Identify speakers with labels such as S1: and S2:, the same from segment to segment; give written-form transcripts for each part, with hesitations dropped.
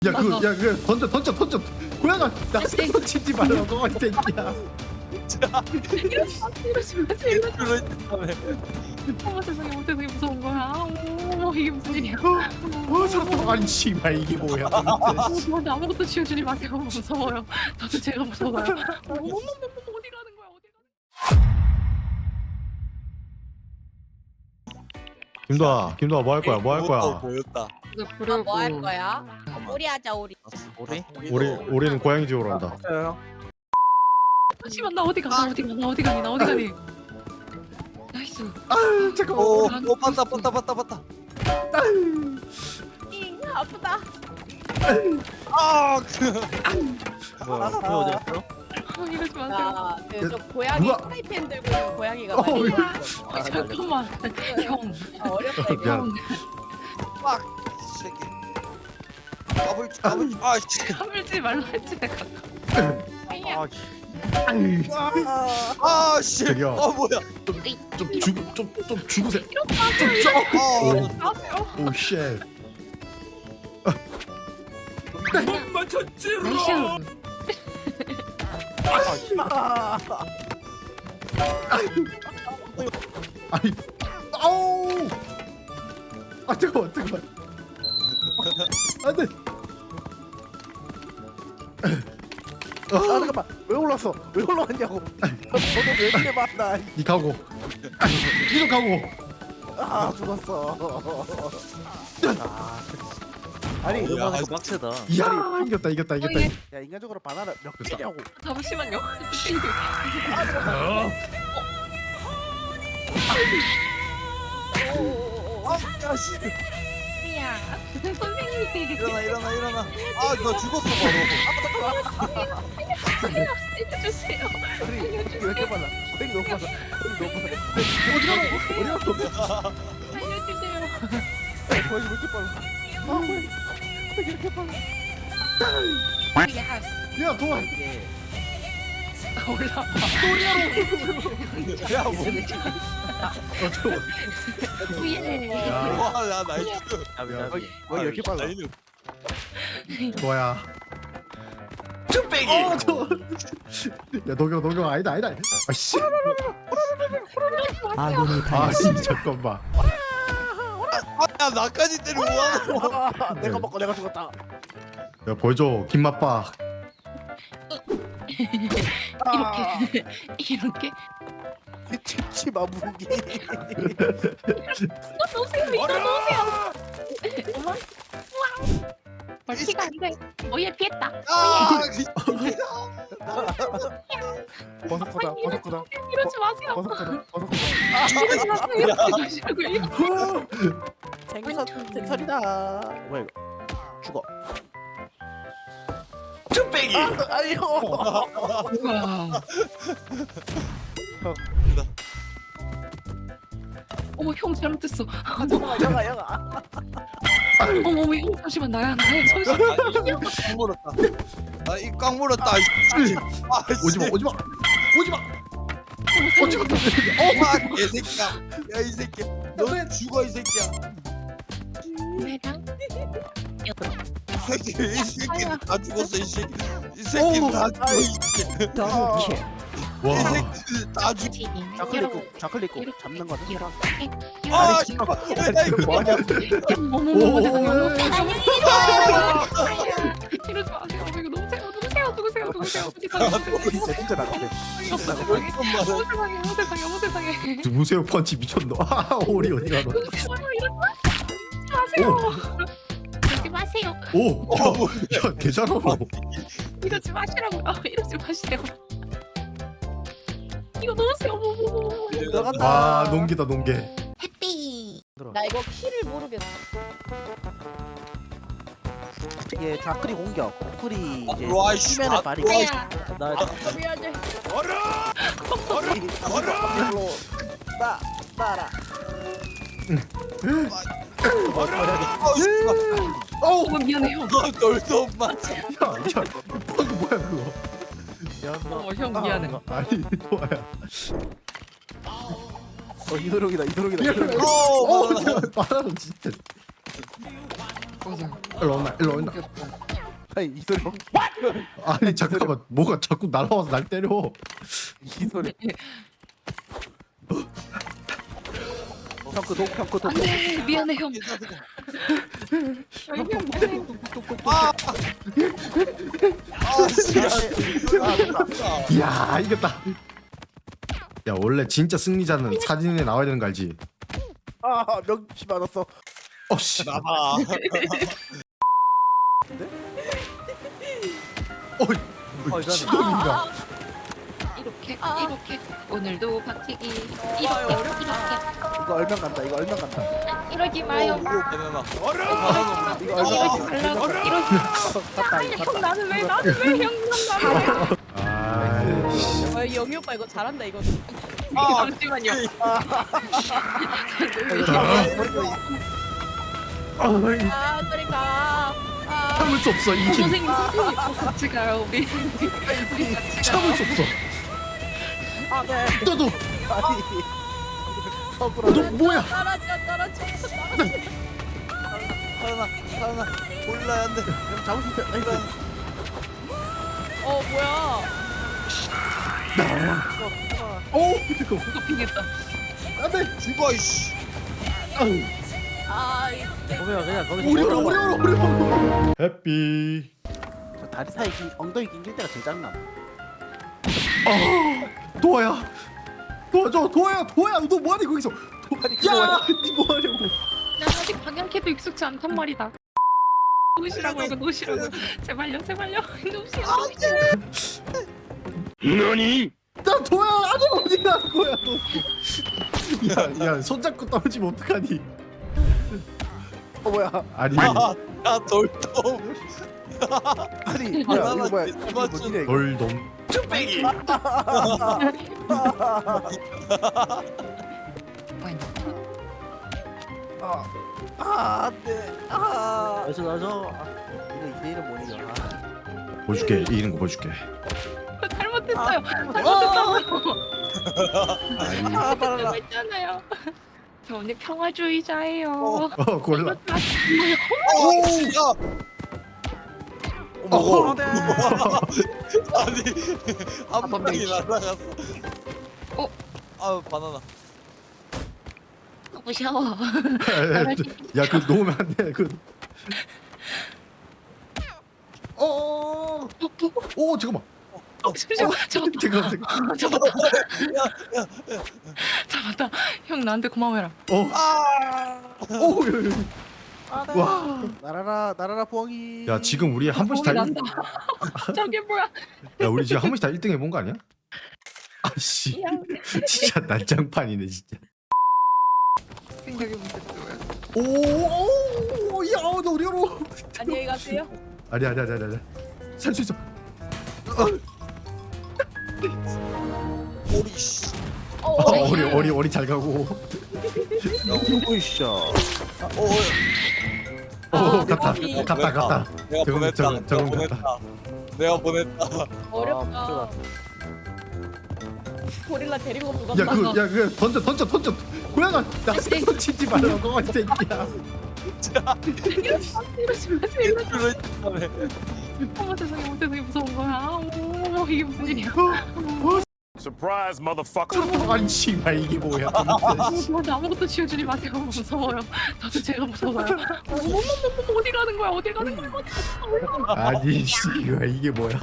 S1: 그 던져. 고양아 나한테 던지지 말라고 이 새끼야.
S2: 이러지 마세요. 어머 세상에 무서운 거야. 어머 이게 무슨 일이야.
S1: 살았다. 아니 씨발 이게 뭐야.
S2: 저한테 아무것도 지어주지 마세요. 무서워요. 저도 제가 무서워요. 어디 가는 거야? 어디 가는
S1: 김도아 뭐 할 거야?
S3: 보였다.
S2: 거야?
S4: 뭐 할 거야? 오리 하자 오리.
S1: 우리는 고양이 집으로 간다.
S2: 잠시만 나 어디 가? 나 어디 가니? 나이스.
S1: 잠깐만.
S3: 봤다.
S4: 아프다.
S2: 이러지 마세요.
S4: 저 고양이
S1: 누가-
S4: 프라이팬 들고 있는 고양이가 말이야.
S2: 잠깐만. 형.
S4: 어렵다 이거.
S1: 미안.
S3: 새끼. 까불지. 아 씨.
S2: 까불지 말라 했지 내가.
S3: 아 씨.
S1: 저기요.
S3: 뭐야?
S1: 좀 죽으세요.
S2: 나세요.
S1: 오 쉣.
S2: 나이스.
S1: 아니. 아우. 아 잠깐만. 안돼.
S5: 잠깐만 왜 올라왔냐고. 저도 왜 이렇게 많나.
S1: 니 가고. 니도 가고.
S5: 죽었어. 아니
S3: 뭐야?
S5: 빡세다.
S1: 이야 이겼다.
S5: 야 인간적으로 바나나 몇 개냐고.
S2: 잠시만요. 야, 선생님.
S3: 일어나. 아, 나 죽었어 바로.
S2: 살려주세요.
S5: 아니 왜 이렇게 빨라. 거의 너무 빨라.
S2: 살려주세요.
S5: 거의 왜 이렇게 빨라. 거의 이렇게 빨라.
S1: 야 도와.
S2: 올라.
S3: 야, 뭐.
S1: 잠깐만.
S3: 와, 나 나이스.
S5: 거의 이렇게 빨라.
S3: 나이스.
S1: 뭐야? 쭈빼기. 야 녹용 아니다. 아씨. 아씨 잠깐만.
S3: 야, 나까지 때리고 와.
S5: 내가 먹고 내가 죽었다.
S1: 야 보여줘 김맛박.
S2: 이렇게.
S5: 칩치마 무기.
S2: 이거 놓으세요. 멀티가 안 돼. 얘 피했다.
S3: 아,
S5: 버섯코다.
S2: 이러지 마세요.
S5: 버섯코다.
S2: 이러지 마세요.
S5: 생선이다. 뭐야 이거? 죽어.
S3: 쭈빼기.
S5: 아니요.
S2: 어머 형 잘못했어.
S5: 영아.
S2: 어머 형 잠시만 나야 잠시만.
S3: 꽉 물었다. 아, 이 꽉 물었다. 아, 씨.
S1: 오지마.
S3: 와, 개새끼야. 야, 이 새끼. 너 죽어, 이 새끼야.
S2: 내랑
S3: 이 새끼 다 죽었어, 이 새끼. 이 새끼 다 죽어, 이 새끼.
S1: 와.
S3: 이 새끼 다 죽어.
S5: 좌클릭 잡는 거다.
S3: 아,
S5: 아니 잠깐만. 나 이거 뭐하냐?
S2: 어머 세상에 어머 이러지 마세요. 이거 누구세요?
S5: 진짜 나갔네.
S2: 어머 세상에.
S1: 누구세요 펀치 미쳤노. 아 오리 어디 가노.
S2: 이러지 마세요.
S1: 오. 야 개잘하노.
S2: 이러지 마시라고요. 이러지 마시라고. 이거 넣으세요.
S1: 아 농기다 농개.
S2: 해피.
S4: 나 이거 키를 모르겠어.
S5: 이게 좌클릭 공격. 우클이 이제
S3: 와, 씨.
S5: 수면의 발이.
S2: 아야.
S4: 미안해.
S5: 이걸로 따라.
S2: 어머 미안해 형.
S3: 널도 맞아.
S1: 야 방금 뭐야 그거.
S2: 어머 형 미안해.
S1: 아니 도아야.
S5: 이도록이다.
S3: 어,
S1: 바나나 진짜. 일로 온나.
S2: 귀엽다.
S5: 아니 이 소리
S1: 아니 잠깐만 뭐가 자꾸 날아와서 날 때려.
S5: 이 소리 형그
S2: 안돼 미안해 형. 아니 형 미안해.
S1: 이야 이겼다. 야 원래 진짜 승리자는 사진에 나와야 되는 거 알지?
S5: 아 명치 맞았어.
S1: 어씨.
S3: 나봐.
S1: 어이.
S5: 이거는-
S1: 시동인가?
S2: 이렇게
S4: 아.
S2: 이렇게 오늘도 박치기
S4: 이거
S2: 이렇게
S4: 어렵다.
S5: 이거 얼면 간다. 이거 얼면 간다.
S2: 이러지 마요.
S3: 바나나.
S5: 이거 얼면
S2: 이러지 말라고 이러지. 형 나는 왜 나는 왜형 나는
S1: 아이씨.
S4: 영희 오빠 이거 잘한다 이거.
S2: 잠시만요.
S4: 아 그러니까.
S1: 참을 수 없어 이 힘.
S2: 선생님 같이 가요 우리 같이 가요.
S1: 참을 수 없어.
S5: 아 네.
S1: 너도
S5: 아니.
S1: 너 뭐야?
S4: 떨어져.
S3: 바나나. 올라야 돼.
S5: 형 잡을 수 있어. 나이스.
S4: 뭐야?
S1: 오.
S2: 도핑했다.
S1: 안돼.
S3: 죽어 이씨.
S4: 아
S5: 보면 그냥 거기서
S1: 오리오라. 해피.
S5: 저 다리 사이 엉덩이 낑길 때가 제일 짱나.
S1: 도아야. 도와줘 도아야 너 뭐하니 거기서?
S5: 아니
S1: 야, 니 뭐하냐고?
S2: 난 아직 방향키도 익숙치 않단 말이다. 놓으시라고 이거 놓으시라고. 제발요 놓으시라고.
S1: 나 도야 아니 어디 간 거야 너? 야 손잡고 떨어지면 어떡하니?
S5: 뭐야?
S1: 아니
S3: 야 돌돔.
S5: 아니 뭐야
S3: 바나나
S5: 이거 뭐야?
S3: 진짜
S5: 이거
S3: 맞춘
S5: 뭐지? 이거?
S1: 돌돔.
S5: 안돼. 나저 이거 2대1은 못 이겨.
S1: 보여줄게 이기는 거 보여줄게.
S2: 잘못했어요. 잘못했다고요.
S1: 아니
S5: 바나나.
S2: 했잖아요. 저 언니 평화주의자예요.
S1: 골라.
S3: 오. 어머.
S5: 네.
S3: 아니 한 방이 날아갔어.
S2: 어?
S3: 아 바나나.
S2: 무서워.
S1: 야그 놓으면 안 돼. 그. 오 잠깐만.
S2: 잠시만.
S1: 잠깐만.
S2: 잡았다. 형 나한테 고마워해라.
S1: 오. 와.
S5: 나라라 부엉이.
S1: 야 지금 우리 한 번씩 다.
S2: 난다. 저게 뭐야?
S1: 야 우리 지금 한 번씩 다 1등 해본 거 아니야? 아씨. 진짜 난장판이네 진짜.
S2: 생각해보니까 뭐야?
S1: 오. 야 너 어려워.
S4: 안녕히 가세요.
S1: 아니야. 살 수 있어.
S3: 오리 씨.
S1: 어리 잘 가고.
S5: 오이씨. 갔다.
S3: 내가
S1: 저건-
S3: 보냈다.
S1: 저건- 저건
S3: 내가 보냈다.
S4: 어렵다. 고릴라 데리고 누가
S1: 그 던져. 고양아 나한테 던지지 말라고 이 새끼야.
S2: 이러지 마세요.
S3: 그걸 했다며.
S2: 어머 세상에 무서운 거야. 어머 이게 무슨 일이야?
S6: Surprise, motherfucker.
S1: 아니 씨발 이게 뭐야?
S2: 저한테 아무것도 지어주지 마세요. 무서워요. 저도 제가 무서워요. 어머 어디 가는 거야? 어디 가는 거야?
S1: 아니 씨발 이게 뭐야?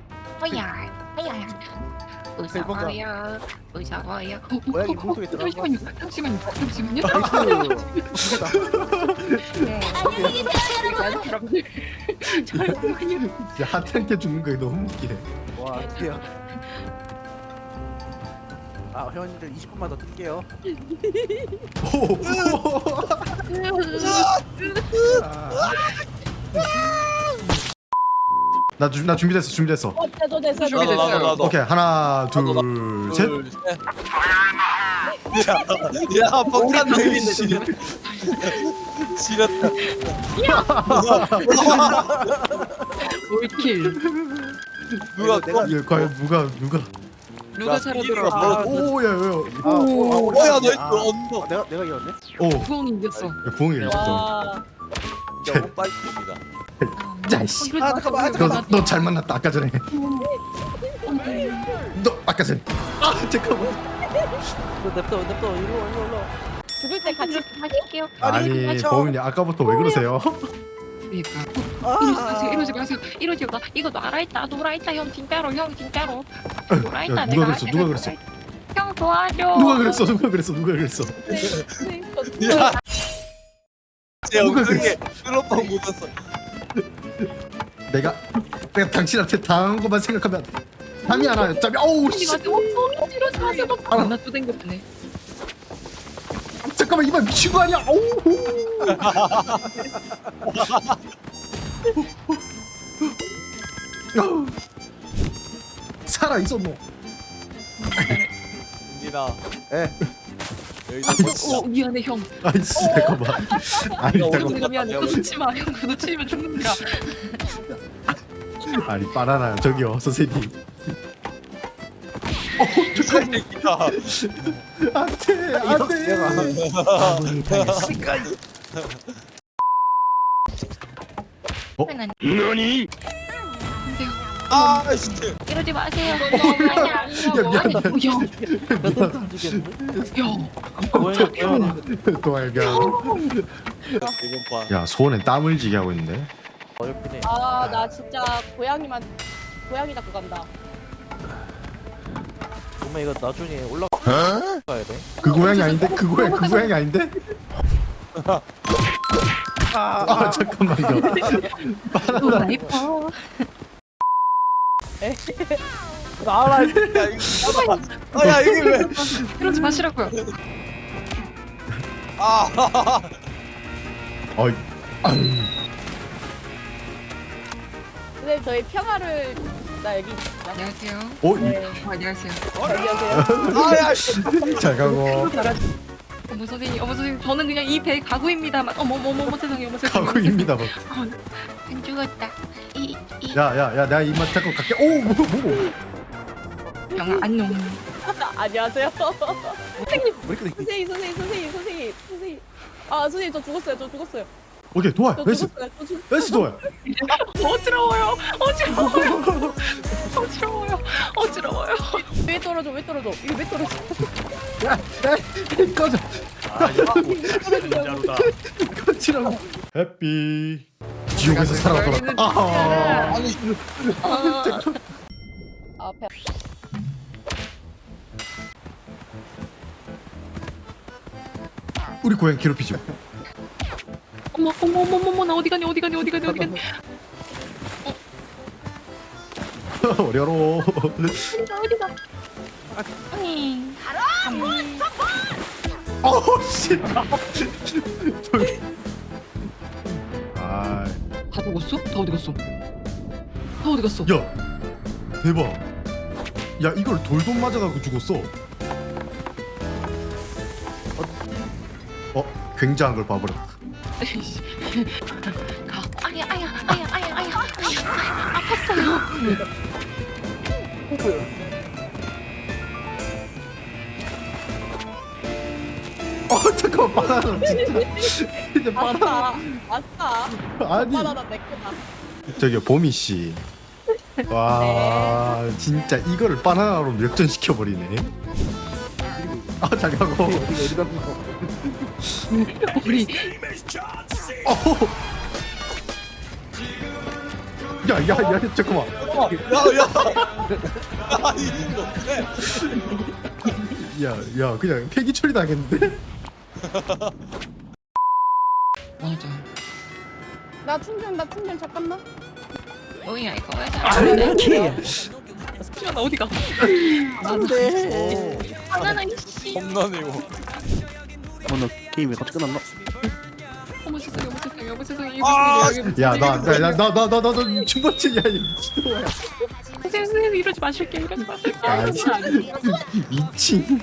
S2: 무서워요. 무서워요.
S5: 고양이 물속에 들어간 거.
S2: 잠시만요. 잠시만요.
S1: 야 하트한테 죽는 거 너무 웃기네.
S5: 와 드디어. 회원님들 20분만 더 뜰게요.
S1: 나 준비됐어.
S4: 저도 됐어.
S3: 나도.
S1: 오케이 하나 둘 셋.
S3: 둘, 셋. 야, 폭탄 내리네. 지렸다.
S2: 올킬.
S3: 누가
S5: 내가-
S1: 이거 과연 누가?
S2: 누가 살아들어?
S1: 오야.
S3: 뭐야, 너 이거 언더.
S5: 내가 이겼네.
S1: 오
S2: 부엉이 이겼어.
S1: 부엉이 진짜.
S4: 와.
S3: 너무 빨리입니다.
S1: 야씨.
S2: 아 잠깐만
S1: 너 잘 만났다 아까 전에. 너 아까 전에. 아 잠깐만.
S5: 냅둬 일로.
S4: 죽을 때 같이
S2: 할게요.
S1: 아니 범인이 아까부터 왜 그러세요?
S2: 그러니까 이러지 마세요. 이러지 마. 이거 놔라있다. 놀아있다 형 진짜로 형 진짜로. 놀아있다.
S1: 야, 누가 그랬어? 누가 그랬어?
S2: 형 도와줘.
S1: 누가 그랬어?
S3: 야, 제
S1: 누가
S3: 엉덩이에 클로퍼 묻었어.
S1: 내가 당신한테 당한 것만 생각하면 잠이 안 와요. 잠이 어우 씨.
S2: 이러지 마세요. 나 또 댕겼네.
S1: 잠깐만 이만 미친 거 아니야? 어우. 살아 있었노.
S3: 민진아.
S5: 에.
S3: 여기서
S2: 어 미안해 형.
S1: 아이씨 잠깐만. 아니 잠깐만.
S2: 미안해. 그거 놓지 마. 형 그거 놓치면 죽는다.
S1: 아니 바나나 저기요 선생님.
S3: 잠깐만.
S1: 안돼 안돼.
S6: 너니?
S3: 아, 씨.
S2: 이러지 마세요.
S1: 미안. 도와요.
S3: 이번 봐.
S1: 야 소원에 땀을 지게 하고 있는데.
S5: 어렵긴 해.
S4: 아나 진짜 고양이 잡고 간다.
S5: 정말 이거 나중에 올라가야 돼.
S1: 그 고양이 아닌데? 그 고양이 아닌데? 아 잠깐만요.
S2: 나 이뻐.
S5: 나와라.
S3: 야, 이거 아, 야, 이게 왜?
S2: 이러지 마시라고요.
S3: 아,
S1: 어이.
S4: 근데 저희 평화를 나 여기
S2: 안녕하세요.
S1: 어?
S2: 안녕하세요.
S4: 안녕하세요.
S3: 아, 야,
S1: 잘 가고
S2: 어머 선생님 저는 그냥 이 배 가구입니다만. 어머 세상에 어머 세상에.
S1: 가고입니다. 뭐.
S2: 안 죽었다. 이
S1: 야야야 내가 이만 잠깐 갈게. 오 뭐.
S2: 영아 안녕.
S4: 안녕하세요. 선생님
S5: 우리끼리
S4: 선생님. 아 선생님 저 죽었어요.
S1: 오케이 도와.
S4: 저
S1: 베스
S4: 죽었어요.
S1: 베스 도와.
S2: 어지러워요.
S4: 왜 떨어져? 이게 왜 떨어져?
S1: 야 꺼져.
S6: 자루다.
S1: 꺼지라고. 해피. 지옥에서 살아 돌아왔다. 아.
S4: 앞에
S1: 우리 고양 괴롭히지 마.
S2: 어머 나 어디 가니.
S1: 어려로.
S2: 어디가? 아니.
S1: 어우 씨. 아.
S2: 다 죽었어? 다 어디 갔어?
S1: 야 대박. 야 이걸 돌돔 맞아가지고 죽었어. 굉장한 걸 봐버렸다.
S2: 에이씨. 가. 아야. 아팠어요.
S1: 잠깐만 바나나 진짜. 이제 바나나.
S4: 왔다.
S1: 아니
S4: 바나나 내 거다.
S1: 저기요 보미 씨. 와 진짜 이거를 바나나로 역전시켜 버리네. 잘 가고.
S5: 어디 가는 거?
S2: 우리
S1: 야야야 잠깐만. 야야 그냥 폐기 처리 당했는데.
S2: 맞아.
S4: 나 충전 잠깐만.
S2: 뭐야 이거 왜
S5: 키.
S2: 나 어디가?
S5: 안돼.
S2: 바나나 씨.
S3: 홈런이고.
S5: 너 게임이 갑자기 끝났나?
S2: 어머 세상에.
S3: 아,
S1: 야나나나나나 중반치 야 이거.
S2: 선생님 이러지 마실게.
S1: 야 미친.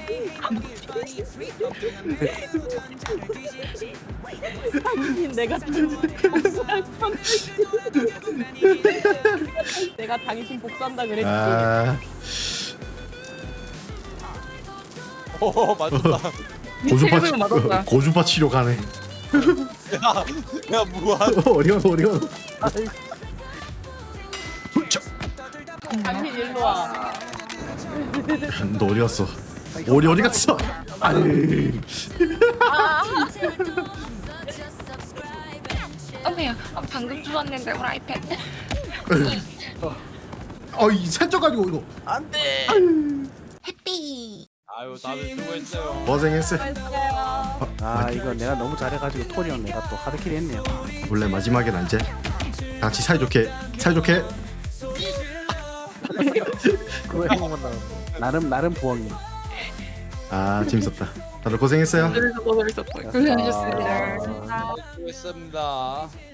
S4: 당신 내가 당신 복수한다 그랬지.
S1: 아
S3: 오, 맞다.
S1: 고주파
S2: 맞았다.
S1: 고주파 치료 가네.
S3: 야 무한.
S1: 어리가노.
S4: 당신 일로 와.
S1: 너 어디 갔어? 어디 갔어? 아니.
S2: 어머야, 방금 주웠는데 후라이팬.
S1: 이 살쪄가지고 이거.
S2: 해피.
S3: 아유 다들 수고했어요.
S1: 고생했어.
S4: 수고했어요.
S5: 아 이거 내가 너무 잘해가지고 토리 형 내가 또 하드킬 했네요.
S1: 원래 마지막엔 안 돼. 같이 사이좋게.
S5: 그거 행복한 나름 부엉이.
S1: 재밌었다. 다들 고생했어요.
S2: 그래서 더 재밌었어요. 고생하셨습니다.
S3: 수고했습니다.